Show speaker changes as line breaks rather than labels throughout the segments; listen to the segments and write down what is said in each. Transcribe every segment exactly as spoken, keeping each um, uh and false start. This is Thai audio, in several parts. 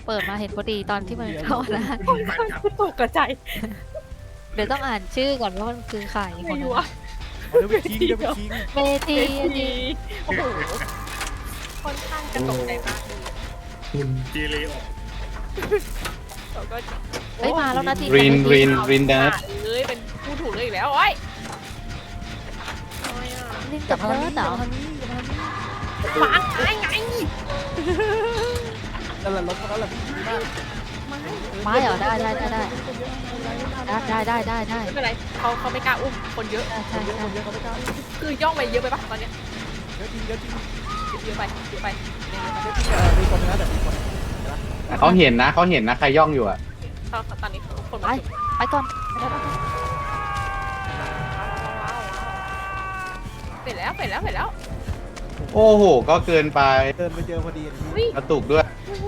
เปิดมาเห็นพอดีตอนที่มันเข้านะ
โอ้ยตกกระจาย
เดี๋ยวต้องอ่านชื่อก่อนว่ามันคือใครค
ไม่
น
รู้
นั้น
ว่า
เดี๋ยวไปคิงเดี๋ยวไปคิง
เมที
เอทีโอ้โหค่อนข้างจะตกใจมากเลย
คุณเจเลออก
เราก็
ไม่มาแล้วนะที
รินรินรินเดน
เอ้ยเป็นผู้ถูกเลยอีกแล้วโอ้ยโอ้ยอ่ะ
ลินกับเนิร์ดเหรอ
วางไงไง
นั่นแหละรถเขาแล้วแหละดีมาก
ไม่
ไม้เหรอได้ได้ได้ได้ได้ได้ได้ได้
ไม่เป็นไรเขาเขาไม่กล้าอุ้มคนเยอะ
ใช่
เยอะ
ใช่
คนเยอะเขาไม่กล้า
คือย่องไปเยอะไปปะตอนเนี้ย
เยอะจริงเยอะจริง
เยอะไปเยอะไป
เยอะจริงเออมีคนนะแต่มีคน
แต่เขาเห็นนะเขาเห็นนะใครย่องอยู่อ่ะ
ตอนตอนนี้คน
ไป
มาถึง
ไปก่อน
เสร็จแล้วเสร็จแล้วเสร็จแล้ว
โอ้โหก็เกินไป
เดินไปเจอพอดี
วิ่ง
กระตุกด้วย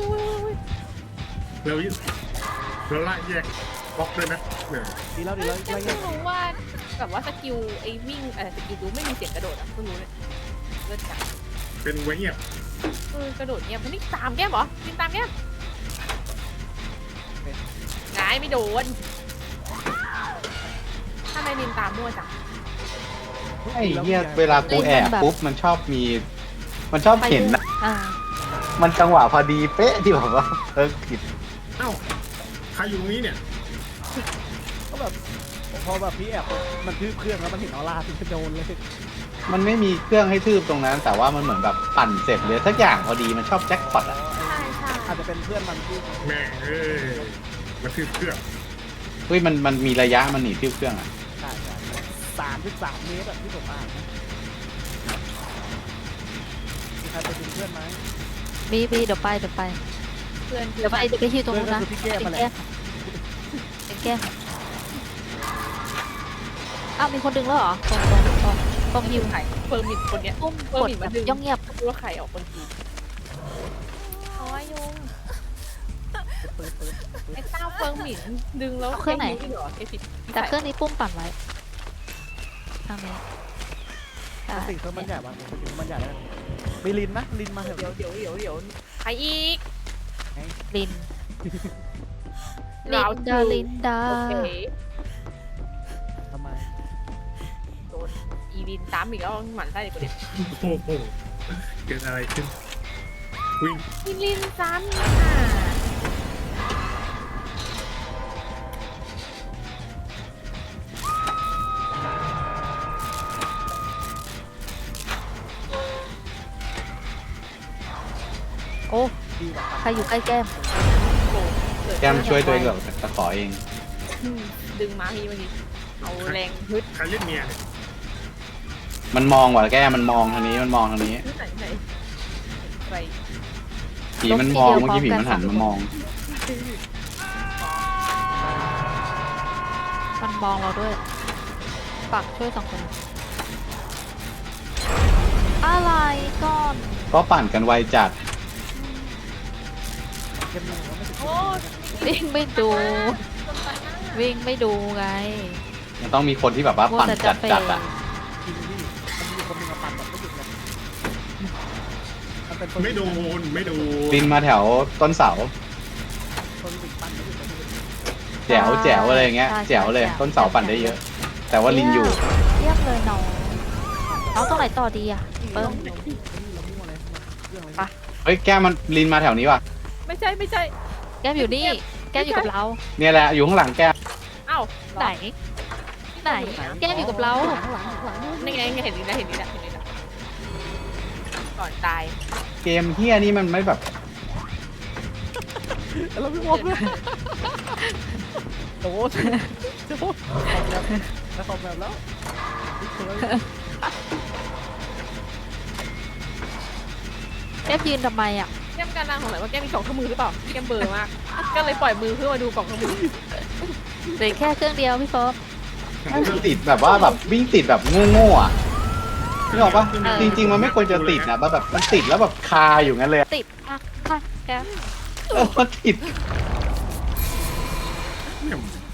แล้วแล้วไล่แยกบล็อกด้วยนะเนี่ย
ดีแล้วดีแล้ว
ยัง
ไล่
เพิ่งรู้ว่าแบบว่าสกิลไอ้วิ่งเออสกิลดูไม่มีเสียงกระโดดอ่ะเพิ่งรู้เลยเลิศจัง เป็น
เป็นไว้เงียบ
เออกระโดดเนี่ยมันนี่ตามแก้มเหรอยิงตามแก้มงายไม่โดนทำไมนินตามมั่วจัง
ไอ้เหี้ยเวลากูแอบปุ๊บมันชอบมี มันชอบเห็นนะ
อ่า
มันจังหวะพอดีเป๊ะที่แบบว่าเออผิด
เอ้าใครอยู่ตรงนี้เนี่ย
ก็แบบพอแบบพี่แอบมันทืบเครื่องแล้วมันเห็นออร่าที่จะโดนเลย
มันไม่มีเครื่องให้ทืบตรงนั้น แต่ว่ามันเหมือนแบบปั่นเสร็จเลยสักอย่างพอดีมันชอบแจ็คพอตอ่ะ
ใช่ใช่
อาจจะเป็นเพื่อนมันที่
แม่งเอ้ยมาทืบเครื่อง
เฮ้ยมันมันมีระยะมันหนีทืบเครื่องอ่ะ
ใช่ใช่สามถึงสามเมตรแบบที่ผมอ่านมีใครไปดึงเพื่อนไหม
บีบีเดี๋ยวไปเดี๋ยวไป
เพื่อน
เดี๋ยวไปเดี๋ยวไปที่ตรงนู้นนะ
เพื่อนก็คือพี่แก้ม
เป็น
มาแหละ
แก้มเป็นแก้มอ้าวมีคนดึงแล้วเหรอตรงตรงตรงตรงฮิว
ไข่เฟิร์มินคนเนี้ย
ปุ้ม
เฟิร์
กด
มิน
แบ
มา
บ
ดึง
ย่องเงียบ
รู้ว่าไข่ออกคนทีโอ้ยยุง
เปิดเปิด
ไอ้เต้าเฟิร์มินดึงแล้วเหรอไอ้ผิด
แต่เครื่องนี้ปุ้มปั่นไว้ทางนี้ได้
สิ่งเพิ่มมันใหญ่บ้างสิ่งมันใหญ่แล้วไปลินนะลินมาเถอะ
เดี๋ยวเดี๋ยวเดี๋ยวเดี๋ยวใครอีก
ลิน
เรา
ลินดาลินดา
โอเค
ทำไม
โดนอีลินตามอีกแล้วหมันไส้เด็กคนเด็ก
โอ้โหเกิดอะไรขึ้นวิ่ง
อีลินซ้ำค่ะ
โอ้
ดีกว่า
ใครอยู่ใกล้แก้ม
แก้มช่วยตัวเองกับตะขอเอง
ดึงมาทีเมื่อกี้เอาแรงฮึด
ใครเล่นเมียเนี่ย
มันมองว่ะแก้มมันมองทางนี้มันมองทางนี้
ฮึดไหนไหนไป
ผีมันมองเมื่อกี้ผีมันหันมามอง
มันมองเราด้วยปักช่วยสองคน อะไรก่อน
ก็ปั่นกันไวจัด
เกมนึงว่าไม่ถึง
โอ้
วิ่งไม่ดู วิ่งไม่ดูไง
มันต้องมีคนที่แบบว่าปั่นจัดจัดอ่ะ
ทีมที่มันมีคนนึงมาปั่นแบบไม่หยุดเลยมันเป็นคน
ไม่โดนไม่โดน
ลินมาแถวต้นเสา
คนหนึ่งปั่นไม่หยุดเลย
แจ๋วแจ๋วอะไรเงี้ย
ใช่
แจ๋วเลย
ใช่
ต้นเสาปั่นได้เยอะ แต่ว่าลินอยู่
เยี่ยมเลยน้องน้องตรงไหนต่อดีอ่ะเปิ้ม
เรามั่วเลยเรื่องอะไร
เฮ้ยแก้มมันลินมาแถวนี้ว่ะ
ไม่ใช่ไม่ใช่
แก้มอยู่นี่ แก้มอยู่กับเรา
เนี่ยแหละอยู่ข้างหลังแก้ม
เอ้า
ไหน ไหน แก้มอยู่กับเรา
ข้างหลังข้างหลัง
นี่ไงเห็นนี่นะเห็นนี่นะเห็นนี่นะก่อนตาย
เกมเฮียนี่มันไม่แบบ
เราไม่มั่วเลยโอ้โหโอ้โหแล้วคอมแบบแล้ว
แก้มยืนทำไมอ่ะ
แก้มการนางของไหนว่าแก้มมีสองข้อมือหรือเปล่าแก้มเบอร์มาก ก็เลยปล่อยมือเพื่อมาดูกล่องข้อมือ
เหลือแค่เครื่องเดียวพี่เฟิร์ม
มันติดแบบว่าแบบวิ่งติดแบบโง่ๆอ่ะนึกออกปะ
เออ
จริงๆมันไม่ควรจะติดนะแบบมันติดแล้วแบบคาอยู่งั้นเลยอะ
ติดอ่ะค่ะแก้ม
เออมันติด
เนี่ย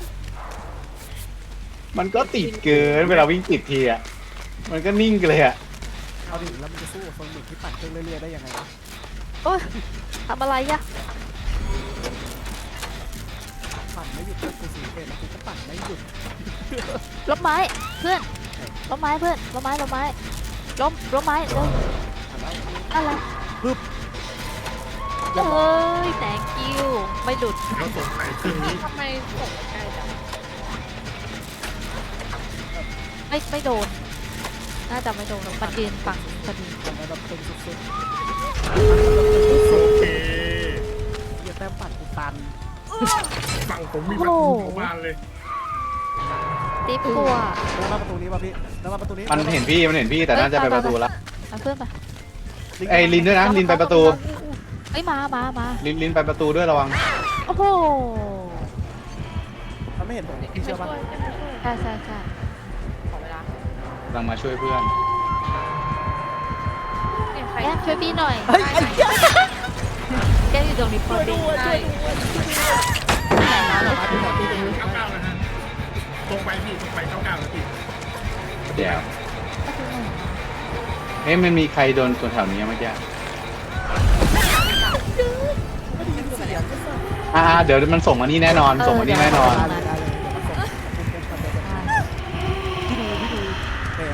มันก็ติดเกินเวลาวิ่งติดทีอ่ะมันก็นิ่งเลยอ่ะ
เอาดิแล้วมันจะสู้กับคนหนึ่งที่ปั่นเครื่องเรื่อยๆได้ยังไงวะ
โอ้ยทำอะไรอ่ะ
กูสีเกตแล้วกูก็ปั่นไม่หยุด
ล้มไม้เพื่อนล้มไม้เพื่อนล้มไม้ล้มไม้ล้มล้มไม้เร็ว
อ่ะแล้ว
อะไร
ปึ๊บ
เอ้ย thank you ไม่หลุด
แล้วสงสัยเครื่องนี้
ทำไมส่งไปไกลจัง
ไม่ไม่โดน น่าจะไม่โดนหรอกมันยืนฝั่งพอดี
ทำไมแบบเป็นสุด
โอเค
ๆเหี้ยแต้มปั่นกูตัน
ฝั่งผมมีประตูของบ้านเลย
ติ๊บกลัว
แล้วมาประตูนี้ป่ะพี่แล้วมาประตูนี้
มันเห็นพี่มันเห็นพี่แต่น่าจะไปประตูละ
เอาเพื่อนไป
ไอ้ลินด้วยนะลินไปประตู
เอ้ยมามามา
ลินลินไปประตูด้วยระวัง
โอ้โห
มันไม่เห็นผมพี่เชื่อป่ะ
ไม่ช่วยไม่ช่วย
ใช่ใช่ใช่
ขอเวลาก
ำลังมาช่วยเพื่อน
เนี่ยใคร
แก้มช่วยพี่หน่อย
เฮ้ยไอ้เหี้ย
แก้มอยู่ตรงนี้พอดี
ใช่
ไหนนะเรา
มาที่ไหนพี่ดู
เก้าเก้านะฮะตรงไปพี่ตรงไปเก้าเก้าแล้วพี่
เดี๋ยวเอ๊ะมันมีใครโดนตัวแถวนี้เมื่อกี้
ไม่ได้ยินเสียงก็สั่น
อ่าเดี๋ยวมันส่งมานี่แน่นอนส่งมานี่แน่นอน
ได้เลยได้เลยมันส่งพี่ดูพี่ดูแขน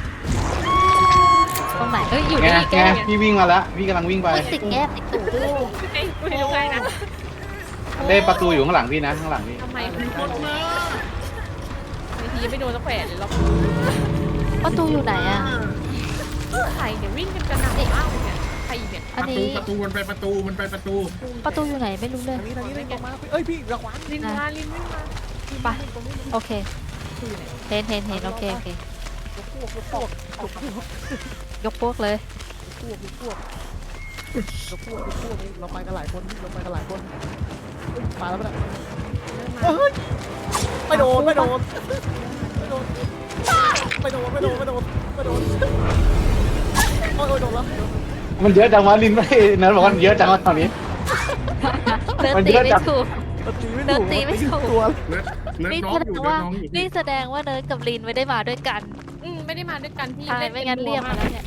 ตรงไหนเอ้ยอยู่
ไง
นี่
ไง
แก้ม
พี่วิ่งมาแล้วพี่กำลังวิ่งไป
ติดแก้มติดตูดด้วย
ไอ้ไม่รู้ไงนะ
เด้ประตูอยู่ข้างหลังพี่นะข้างหลังพี่
ทำไม
มีคนมา
บางทีไม่โดนสักแขวนเลยหรอก
ประตูอยู่ไหนอ่ะ
ใครเนี่ยวิ่งกันกระหน่ำมากเลยเนี่ยใครเนี่ย
อัน
ประตู
นี้
ประตูมันไปประตูมันไปประตู
ประตูอยู่ไหนไม่รู้เลย
ทางนี้ทางนี้เลยตรงมาเอ้ยพี่ระวัง
ลินมาลินวิ่งมา
ไปโอเค
คือไหน
เห็นเห็นเห็นโอเคโอเค
ยกพวกยกพวกยกพวก
ยกพวกเลย
พวกยกพวกยกพวกยกพวกเราไปกันหลายคนเราไปกันหลายคนมาแล้วปะเนี่ย
เริ่มมา
เฮ้ยไม่โดนไม่โดนไม่โดนไม่โดนไม่โดนไม่โดนไม่โดนโอ้ยโอ้ยโดนแล้ว
มันเยอะจังวะลินไม่นั้นบอกว่ามันเยอะจังวะตอนนี้
เดิน
มัน
ตี
เยอะ
ไม่
จัง
ถูก
เดินตีไม่ถูก
เดินตีไม่ถูก
ตัว
เลิศเลิศ
นี่
น้อ
แส
ง
ด
อยู่
ง
เลิ
ว่า
ศน้องอยู่
นี่
พี่
แสดงว่าเนิร์ดกับลินไม่ได้มาด้วยกัน
อืมไม่ได้มาด้วยกันที่
ใช่
เล่น
ไม่งั้นเรียกมาแล้วเนี่ย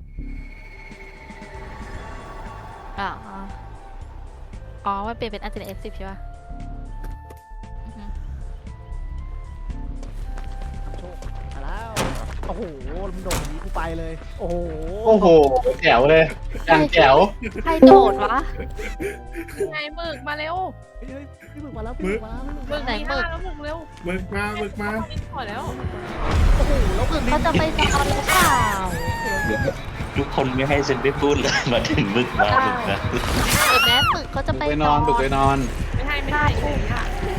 อ๋ออ๋อมันเปลี่ยนเป็นอันเจนเอฟสิบใช่ป่ะอือฮึ
มาแล้วโอ้โหมันโดดอย่างนี้กูไปเลย โอ้โห
โอ้โหแจ๋วเลยอย่างแจ๋ว
ใครโดดวะ
ไงหมึกมาเร็ว
เฮ้ยเฮ้ยพี่หมึกมาแล้วพี่หมึกมาแล้ว
หมึก
ไหน
มี
หมึ
ห้าก แล้วหมึกเร็ว
มึกมามึกมา
ขอแล้ว
โอ้โหแล้วคือลิ้
เขา
น
จะไปนอนหรือเปล่า
ทุกคนไม่ให้ฉันได้พูดเลย มาถึงมึกมามึกนะ
เห็นไหมหมึกเขาจะ
บุก
ไป
ไปน
น
อ
อน น
บุกไปนอน
ไม่ให้ไม่ให้ไม่ให้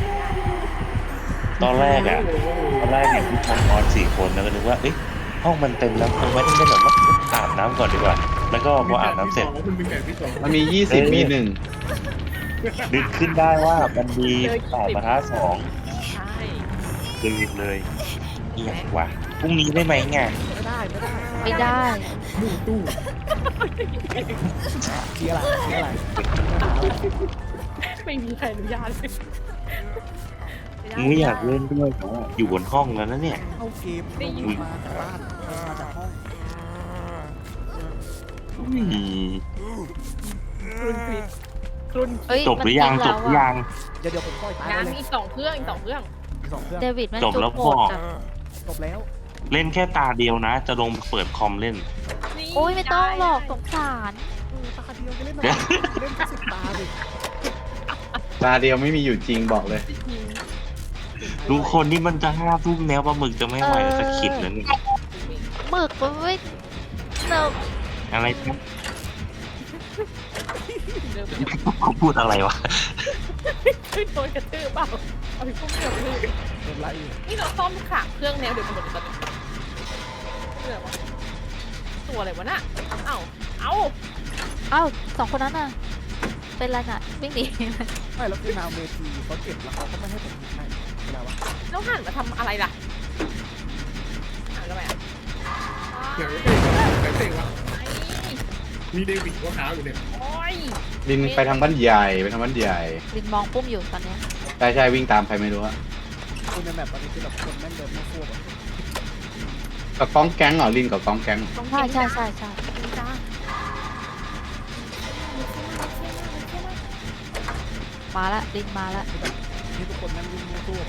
ตอนแรกอ่ะตอนแรกเห็นผู้ชายนอนสี่คนแล้วก็นึกว่าเอ๊ะห้องมันเต็มแล้วคงไม่ได้เล่นหรอกว่าอาบน้ำก่อนดีกว่า แล้วก็พออาบน้ำเสร็จ
มันมีแบบที่สอง
มันมียี่สิบมีหนึ่ง
นึกขึ้นได้ว่ามันมีแปดประทัดสอง
ใช่
ตื่นเลยเอียกว่ะพรุ่งนี้ได้ไหมไง
ไม่ได้ไม่ได้
ไม่ได้
ตู้ตู้
มีอะไรมีอะไร
ไม่มีใครอนุญาตเลย
ไม่อยากเล่นด้วยเพราะว่าอยู่บนห้องแล้วนะเนี่ย
เข้าเกมลงมาจากบ้านลงมาจากห้อง
อืม
ครุนคริสครุน
เอ้ย
จบหรือยัง
มัน
จ
ทิ้
บหรือยัง
เดี๋ยวเดี๋ยวผมค่อยตาย
งาน
เลย
มีอีกสองเครื่องอีกสองเครื่อง
อีกสองเครื่อง
เดวิดมัน
จบแล้ว
จุกโหด
บอก
จัง
จบแล้ว
เล่นแค่ตาเดียวนะ จะลงเปิดคอมเล่น
นี่
โอ้ยไม่ต้องหรอกสงสาร
เออตาเดียวจะเล่นอะไรเล่นแค่สิบตาดิ
ตาเดียวไม่มีอยู่จริงบอกเลย
ดูคนที่มันจะห้าทุ่มแนวปลาหมึกจะไม่ไหวจะขิดแล้วเนี่ย
หมึกมันไม่เนิร์
อะไรนะ
เดินไป
เขาพูดอะไรวะ
ขึ้นโดนกระตือเปล่าเอาไปพุ่งเดียวเลย
เริ่มไล่อีก
นี่เราซ่อมขาเครื่องแนวเดียวกันหมดเลยตอนนี้เรื่องวะตัวอะไรวะน่ะเอ้าเอ้า
เอ้าสองคนนั้นน่ะ เป็นไรน่ะวิ่งหนี
ไม่แล้วคือนาวเมทีเขาเก็บแล้วเขาก็ไม่ให้ผมยิงให้เวลาวะ
แล้วหันมาทำอะไรล่ะหันทำไมอ่ะ
อย่างนี้แต่เตะวะ
ไอ้
มีเดวิดหัวขาวอยู่เนี่ย
โอ้ย
ลินไปทางบ้านใหญ่ไปทางบ้านใหญ่
ลินมองปุ้มอยู่ตอนเนี้ย
ใช่ใช่วิ่งตามใครไม่รู้อะ
คุณในแมปตอนนี้คือแบบคนแม่งเดินไม่ทั่วแบบ
กับกองแก๊งเหรอลินกับกองแก๊ง
ต้อง
ใช่ใช่ใช่ใช่
จ้า
มาละลินมาละ
ที่ทุกคนนั่งวิ่งมั่วตัวแบบ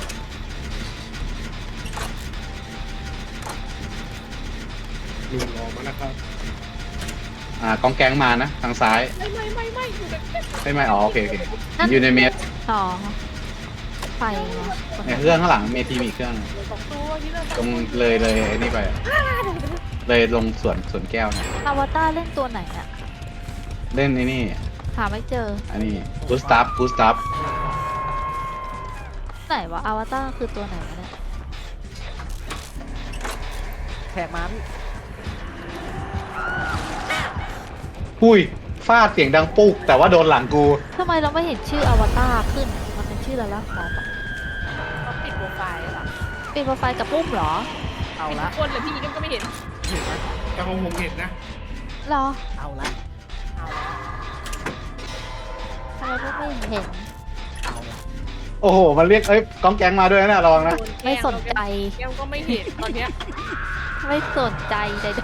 ลุงรอมานะครับ
อ่ากองแกงมานะทางซ้าย
ไม่ไม่ไม่ไม่อยู่แบบ
ไม่ไม่อ๋อโอเคโอเคอยู่ในเมส
สองไฟวะ
ในเครื่องข้างหลังเมทีมีอีกเครื่อง
สองตัวที่เรา
ตรงเลยเลยไอ้นี่ไปอะเลยลงสวนสวนแก้วนะ
อวตารเล่นตัวไหนอะ
เล่นไอ้นี่
หาไม่เจอ
อันนี้กูสตัฟกูสตัฟ
ไหนวะอวตารคือตัวไหนวะเนี่ย
แขกมาพี่
หุยฟาดเสียงดังปุ๊กแต่ว่าโดนหลังกู
ทำไมเราไม่เห็นชื่ออวตารขึ้น มันเป็นชื่ออะไรละขอปะ
เขาปิดโปรไฟล์หรอ
เป็นโปรไฟล์กับปุ้มเหรอ
เอา
ปิด
ละ
ทุกคนเลยพี่ก็ไม่เห็น
เห็นไหมแต่ของผมเห็นนะ
เหรอ
เอาละ
เอา
ทำไมพวกไม่เห็น
เอาละ
โอ้โหมันเรียกเอ้ยกองแกงมาด้วยนะระวังนะ
ไม่สนใจ
แก้วก็ไม่เห็นตอนเนี้ย
ไม่สนใจใด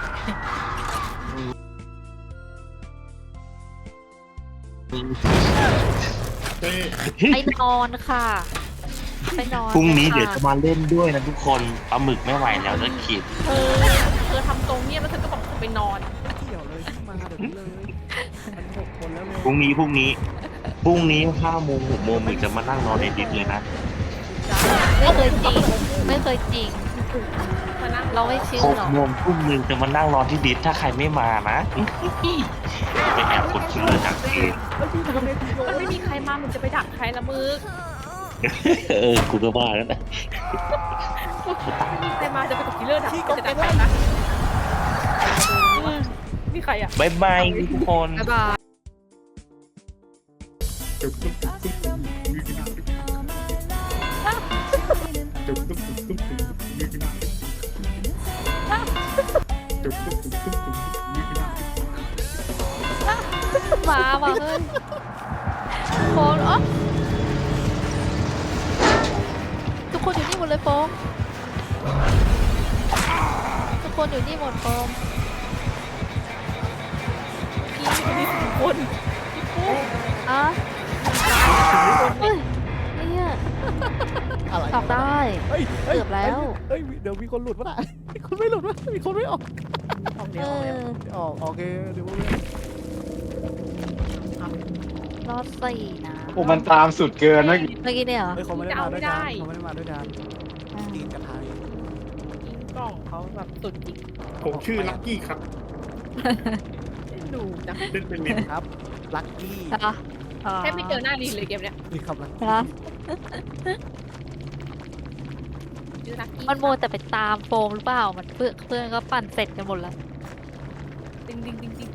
เต้
ๆไปนอนค่ะ ไปนอน
พรุ่งนี้
ค่ะ
เดี๋ยวจะมาเล่นด้วยนะทุกคนปลาหมึกไม่ไหวแล้วจะขีด
เธอเธอทำตรงเนี้ยแล้วเธอก็บอกเธอไปนอน
เดี๋ยวเลยมาเดี๋ยวนี้เลยมันหกคนแล้วเลย
พรุ่งนี้พรุ่งนี้พรุ่งนี้ห้าโมงหกโมงหมึกจะมานั่งนอนในดิสเลยนะ
ไม่เคยจริง ไม่เคยจริง
มานั่ง
เราไม่เชื่อ
หก
หรอก
โมงทุ่มหนึ่งจะมานั่งรอที่ดิสถ้าใครไม่มานะ ไปแอบกดคิลเลอร์จากเกม
เฮ้ยพี่ทำเมทีโย
มันไม่มีใครมามึงจะไปดักใครละมึง
เออกูก็ว่าแล้วนะ
ไม่มีใครมาจะไปกดคิลเลอร์ดัก
พี่ก
จะ
องแก
ดัก
ง
ใคร
ล่าง
นะนี่ใครอ่ะ
บายบายทุกคน
บ๊ายบาย
จุ๊บตุ๊บตุ๊บตุ๊บตุ๊บยืดหน้าจุ๊บตุ๊บตุ๊บตุ๊บตุ๊บยืดหน้าจุ๊บตุ๊บตุ๊บตุ๊บตุ๊บยืดหน้า
หมาว่ะเฮ้ยโฟนอ๋อทุกคนอยู่นี่หมดเลยโฟมทุกคนอยู่นี่หมดโฟม
พี่มีสิบคน
อ่ะเฮ้ยเนี่ย
อะไร
ตอบได้
เฮ้ยฮ้ย
เกือบแล้ว
เฮ้ยเดี๋ยวมีคนหลุดวะน่ะมีคนไม่หลุดวะมีคนไม่ออกออก
เอ
เดี๋ยวออกเดี๋ยว
อ
ออกโอเคเดี๋ยว
รอดสี่นะ
โอ้มันตามสุดเกินเมื่อกี้
เมื่อกี้เนี่ยเหรอ
เฮ้ยเขาไม่ได้มาด้วยกันเขาไม่ได้มาด้วยกัน
อ่า
ตีนกระทาย
ยิงกล่องเขาแบบสุดจริง
ผมชื่อลักกี้ครับ
ดูนะ
เล่นเป็นเมน
ครับลัคกี้
อ่ะอ๋อ
แค่ไม่เจอหน้าลีนเลยเกมเนี้ย
นี่คำลัก
เหรอ
ชื่อลักกี้
มันโมวแต่ไปตามโฟมหรือเปล่า มันเพื่อนเพื่อนก็ปั่นเสร็จกันหมดแล้ว
ดิงดิงดิงดิง